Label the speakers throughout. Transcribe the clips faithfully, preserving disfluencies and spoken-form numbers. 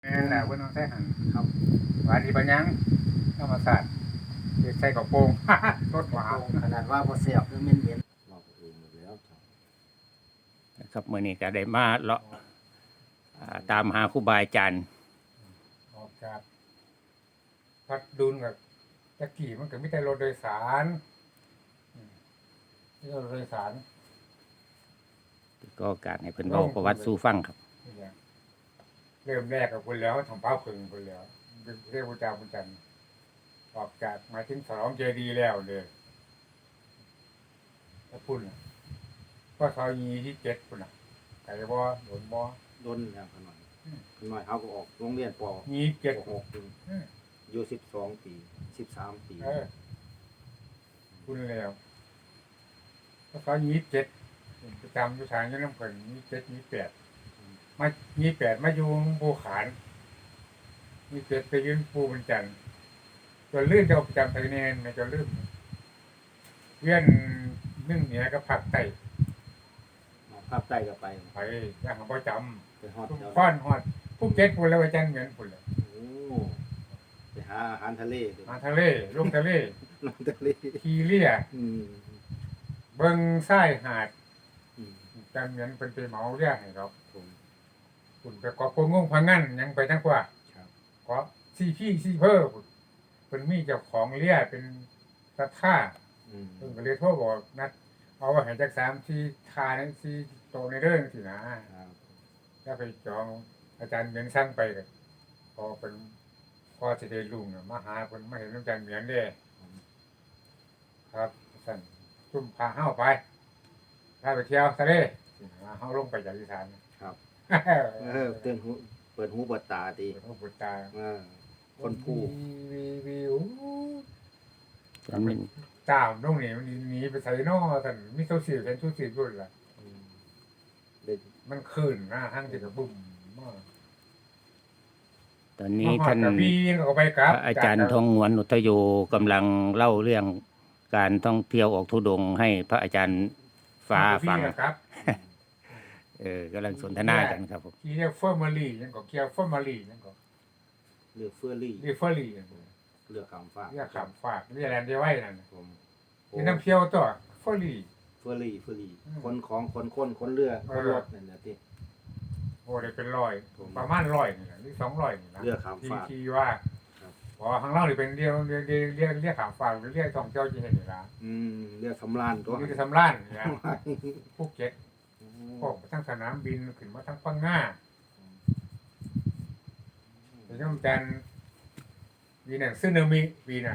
Speaker 1: แม่นแหละเพิ่นต้องใช้หั่นครับหวานอีบัญญังธรรมศาสตร์เฮ็ดใส่กระโปรง รสหวาน
Speaker 2: ขนาดว่าบ่แซ่บหรือเหม็นเหม็นเราเองหมดแล้วครับ
Speaker 3: นะครับมื้อนี้ก็ได้มาเลาะอ่าตามหาครูบาอาจารย์
Speaker 1: ออกจากพัดดุลกับตะกี้มันก็มีแต่รถโดยสารอืมมีแต่รถโดยสาร
Speaker 3: ก็การให้เพิ่นเว้าประวัติสู่ฟังครับ
Speaker 1: นี่แหละเริ่มแรกกับคนแล้วทำเป้าพึงคนแล้วเรียกพระเจ้าพุทธจันทร์ออกจากหมายถึงสองเจดีย์แล้วเลยถ้าพุ่นน่ะก็ซอยยีที่เจ็ดพุ่นน่ะไก่บ่หลนบ่
Speaker 2: โดนแล้วขน่อยขน่อยเฮาก็ออกโรงเรียนป
Speaker 1: ยีเจ็ด
Speaker 2: หกปี
Speaker 1: อืม
Speaker 2: อยู่สิบสองปีสิบสามปี
Speaker 1: เออพุ่นแล้วก็ซอยยีเจ็ดประจำอยู่ทางอยี่น้ำเพิ่นยีเจ็ดยีแปดมายีแปดมาอยู่ภูขานยีเจ็ดไปยืนปูบรรจันทร์จนลื่นจะประจำไทยเนนไม่จะลื่นเวียนนึ่งเหนือก็ผักไต่
Speaker 2: มาภาคใต้ก็ไป
Speaker 1: ไปย่างของประจ
Speaker 2: ไปฮอด
Speaker 1: ำ
Speaker 2: แถว
Speaker 1: ฟ้อนฮอดผู้เก็ตพุ่นแล้วอาจารย์เหมือนพุ่นเลย
Speaker 2: โอ้ไปหาอาหารทะเลเด้อ
Speaker 1: มาทะเลลงทะเล
Speaker 2: น้ำทะเล
Speaker 1: ทีเลี่ย
Speaker 2: อืม
Speaker 1: เบิ่งทรายหาด
Speaker 2: อืม
Speaker 1: อาจารย์เหมือนเป็นไปเหมาเรียกให้เรา
Speaker 2: ผม
Speaker 1: พุ่นไปเกาะโปงงพังงั้นยังไปทั้งกว่า
Speaker 2: ครับ
Speaker 1: เกาะซีพี่ซีเพิ่มเป็นมีเจ้าของเลี่ยเป็นตะท่า
Speaker 2: อืม
Speaker 1: เพิ่นก็เลยโทรบอกนัดเอาไว้ให้จักสามที่ทานั้นที่โตในเรื่องสินะครับ แล้วไปจองอาจารย์เหมียนสั่งไปก็พอเป็นพอสิได้ลุงน่ะมาหาเพิ่นมาเห็นอาจารย์เหมียนเด้ครับสั่นซุ่มพาเฮาไปพาไปเที่ยวทะเลสิหาเฮาลงไปจากอีสาน
Speaker 2: ครับ
Speaker 1: เอ
Speaker 2: เออเตือนหูเปิดหูเปิดตาดี
Speaker 1: เปิดหูเปิดตา
Speaker 2: เออคนผู้
Speaker 1: วีวีวิว
Speaker 3: มันเป็น
Speaker 1: ตามตรงนี้มันหนีไปไสน้อท่านมีโซเชียลเป็นโซเชียลด้วยล่ะ
Speaker 2: อืมเด็ก
Speaker 1: มันขึ้นนะห้างที่กระบุ่มมาก
Speaker 3: ตอนนี้ท่าน
Speaker 1: มฮอดกระบี่ก็ไปกลับ
Speaker 3: พระอาจารย์ทองหวนอุทโยกำลังเล่าเรื่องการท่องเที่ยวออกธุดงค์ให้พระอาจารย์ฟ้าฟัง
Speaker 1: กระบี่นะครับ
Speaker 3: เออกำลังสนทนากันครับผม
Speaker 1: ที่เรียกเฟอร์มารียังก็เกี่ยวเฟอร์มารียังก็
Speaker 2: เลือกเฟอร์รี่
Speaker 1: เรียกเฟอร์รียังก็
Speaker 2: เลือกคำฟ้าก
Speaker 1: เรียกขามฝากเรียกแลนด์เดียวไว้นั่นน่ะ
Speaker 2: ผมโอ้
Speaker 1: นี่น้ำเที่ยวตัวเฟอร์รี
Speaker 2: เฟอร์รี่เฟอร์รี่
Speaker 1: อืม
Speaker 2: คนของคนคนคนเรือ
Speaker 1: เอ
Speaker 2: ค
Speaker 1: อ
Speaker 2: นรถนั่นแหละที่
Speaker 1: โอ้ได้เป็นร้อย
Speaker 2: ผม
Speaker 1: ประมาณร้อยนี่แหละหรือสองร้อยนี่นะ
Speaker 2: เรือขาม
Speaker 1: ที่
Speaker 2: ฝาก
Speaker 1: ที่ว่า
Speaker 2: ครับ
Speaker 1: เพราะว่าข้างล่างนี่เป็นเรียกเรียกเรียกเรียกเรียกขามฝากหรือเรียกท่องเที่ยวที่เห็นนี่นะ
Speaker 2: อืมเรือสำราญตัว
Speaker 1: นี่คือสำล้านนี่นะภูเก็ตพวกทั้งสนามบินขึ้นมาทั้งปังง่าแต่ย่อมจันวีนั่นซึนามิวีนั่น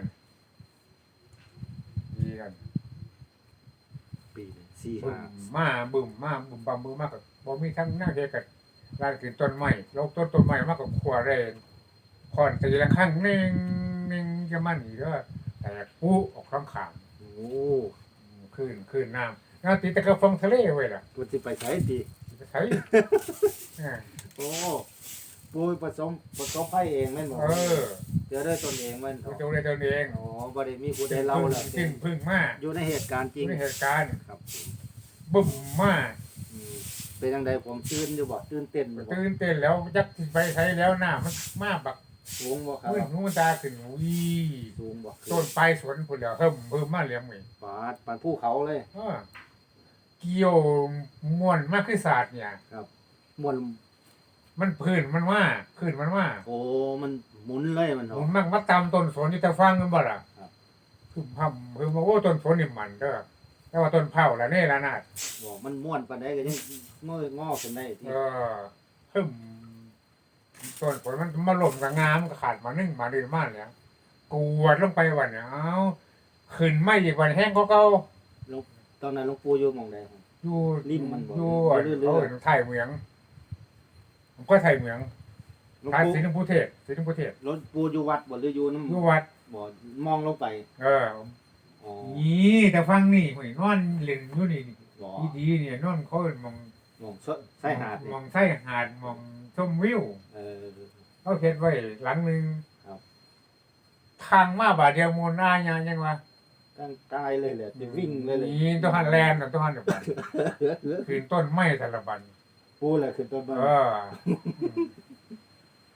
Speaker 1: วีนั่น
Speaker 2: ปีหนึ่งสี่
Speaker 1: บึ้
Speaker 2: ห้าม
Speaker 1: มาบึ้มมาบึ้มบัมบึ้มมากกับบ่มีทั้งหน้าเดียกับลานขึ้นต้นไม้โลกต้นต้นไม้มากกับขัวเรนคอนตีละข้างเน่งเน่งจะมันอีกแล้วแต่ปุ๊ออกข้างขาง
Speaker 2: โอ้
Speaker 1: ขึ้นขึ้นน้ำน้ำตีตะกะฟองทะเลไว้ล่ะ
Speaker 2: ตัวที่ไปใช้ดี
Speaker 1: จะใช้เออ
Speaker 2: โอ้ปุยผสมผสมไผ่เองแม่นบ่
Speaker 1: เออ
Speaker 2: เจอได้ตนเองแม่น
Speaker 1: ตัว
Speaker 2: บ่
Speaker 1: เจ้าเลยตัวเอง
Speaker 2: อ๋อบ่ได้มีผู้ใดเล่าแล้ว
Speaker 1: ขึ้นพึ่งมา
Speaker 2: อยู่ในเหตุการณ์จริง
Speaker 1: ในเหตุการณ์
Speaker 2: ครับผม
Speaker 1: บึ้มมา
Speaker 2: อืมเป็นจังไดผมตื่นอยู่บ่ตื่นเต้นอยู่บ่
Speaker 1: ตื่นเต้นแล้วจักสิไปใช้แล้วหน้ามันมาบัก
Speaker 2: สูงบ่ครับ
Speaker 1: มืดหูตาขึ้นวี
Speaker 2: สูงบ่
Speaker 1: ต้นปลายสวนพุ่นแล้วเฮิ่มเพิ่มมาเลี้ยงไว้
Speaker 2: ปาดปานภูเขาเลย
Speaker 1: เออเกี่ยวม่วนมากคือศาสตร์เนี่ย
Speaker 2: ม่วน
Speaker 1: มันพื้นมันว่าพื้นมันว่า
Speaker 2: โอ้มันหมุนเลยมัน
Speaker 1: ผ
Speaker 2: เนาะ
Speaker 1: มมักมาตามต้นสนที่ตะฟังกันบ่ล่ะ
Speaker 2: ครับ
Speaker 1: คือพำคือมาโอ้ต้นสนนี่มันเด้อแต่ว่าต้นเผาละเน่ละนาด
Speaker 2: บ่มันม่วนปานใดก็ยังงองอขึ้นได้ที่
Speaker 1: เออฮึมต้นสนมันมาหล่มกับงามก็ขาดมานึ่งมาดีมากเลยกวดลงไปวันเนี่ยเอ้าขึ้นไม่อีกวันแห้งก็เก่า
Speaker 2: หลวงตอนนั้นหลวงปู่อยู่หม่องใดครับ
Speaker 1: อยู่
Speaker 2: ริมมันบ่
Speaker 1: อยู่
Speaker 2: เรื่อยๆ
Speaker 1: เขาเห็นไทยเมืองผมก็ไทยเมือง
Speaker 2: หลวง
Speaker 1: ทาย
Speaker 2: ปู่
Speaker 1: ศรีนพุเทศศรีนพุเทศ
Speaker 2: หลวงปู่อยู่วัดบ่หรืออยู่น้ำ
Speaker 1: อยู่วัด
Speaker 2: บ่มองลงไป
Speaker 1: เออ
Speaker 2: อ๋อ
Speaker 1: นี่แต่ฟังนี่หวยนอนเล่นอยู่นี่
Speaker 2: บ่
Speaker 1: ดีดีๆเนี่ยนอนเขาเอิ้นมอง
Speaker 2: มองซะใส่หาดนี่
Speaker 1: มองใส่หาดมองชมวิว
Speaker 2: เออ
Speaker 1: เขาเฮ็ดไว้หลังหนึง
Speaker 2: ครับ
Speaker 1: ทางมาบาดเดียวมูลหน้ายังยังวะ
Speaker 2: ตั้งกายเลยแหละจะวิ่งเลยเลย
Speaker 1: นี่ต้องหันแลนด์น่ะต้องหันแบบคืนต้นไม้แต่ละบัน
Speaker 2: ปูแหละคือต้นไม้
Speaker 1: เออ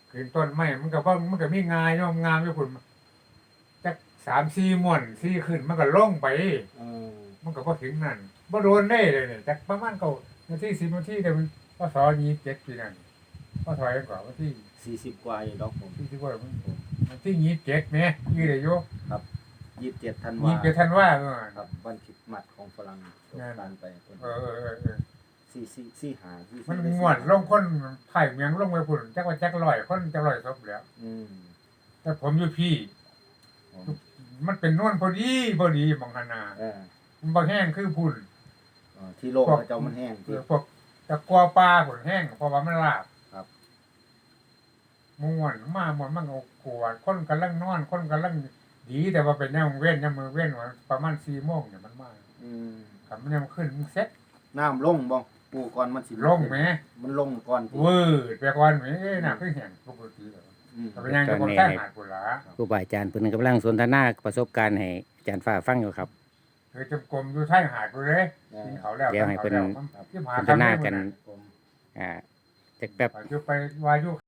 Speaker 1: ขึ้นต้นไม้มันก็บ่มันก็มีงายเนาะงามอยู่พุ่นจักสามสี่ม่วนสี่ขึ้นมันก็ลงไป
Speaker 2: เออ
Speaker 1: มันก็บ่ถึงนั่นบ่โดนได้เลยเนี่ยจักประมาณเก้านาทีสิบนาทีเดี๋ยวมันพศยี่สิบเจ็ดปีนั้นพศยังกว่าวันที่
Speaker 2: สี่สิบกว่าอยู่ดอกผม
Speaker 1: ที่ที่ว่ามันวันที่ยี่สิบเจ็ดแหมยี่ได้อยู่
Speaker 2: ยี่สิบเจ็ดธัน
Speaker 1: ยี่
Speaker 2: วา
Speaker 1: สิบเจ็ดธันวาเมื่อวาน
Speaker 2: ครับวันคริดมัดของฝรั่งสงกรานต์ไปคน
Speaker 1: เออเออเออเออ
Speaker 2: สี่สี่สี่หาสี่สี่
Speaker 1: มัน
Speaker 2: ได้สี่
Speaker 1: ม่วนลงคนไผ่เมียงลงไปพุ่นจักว่าจักร้อยคนจักร้อยศพแล้ว
Speaker 2: อืม
Speaker 1: แต่ผมอยู่พี่
Speaker 2: ผม
Speaker 1: มันเป็นนวลพอดีพอดีหมองหนนา
Speaker 2: เออ
Speaker 1: มันบ่แห้งคือพุ่น
Speaker 2: เออที่โลกเขาเจ้ามันแห้ง
Speaker 1: เอ
Speaker 2: ที่
Speaker 1: อพวกตะกัวปลาพุ่นแห้งเพราะว่ามันลาบ
Speaker 2: ครับ
Speaker 1: ม่วนมาม่วนมันก็กวดคนกำลังนอนคนกำลังดีแต่ว่าเป็นแนวเว้นยามมือเว้นว่าประมาณสี่โมงเนี่ยมันมา
Speaker 2: อืม
Speaker 1: ครับมันยังขึ้นมันเซ็ต
Speaker 2: น้ำลงบ่ปูก่อนมันสิ
Speaker 1: ลงแหม
Speaker 2: มันลงก่อนที่
Speaker 1: วืดไปก่อนแหมเอ้ยน่ะคือแห้งปกติแล้ว
Speaker 2: อืม
Speaker 1: ก็เป็นยังก็บ่ใช่หาดพุ่นล่ะ
Speaker 3: ครูบาอาจารย์เพิ่นกำลังสนทนาประสบการณ์ให้อาจารย์ฟ้าฟังอยู่ครับ
Speaker 1: คือจมกลมอยู่ใช่หาดพุ่นเลย
Speaker 2: เอ
Speaker 1: กิน
Speaker 2: อ
Speaker 1: เขาแล้ว
Speaker 3: เดี๋ยวให้เพิ่น
Speaker 1: ที่หา
Speaker 3: สนทนากัน
Speaker 2: ผม
Speaker 3: อ่าจักแป๊บ
Speaker 1: อยู่ไปวายุ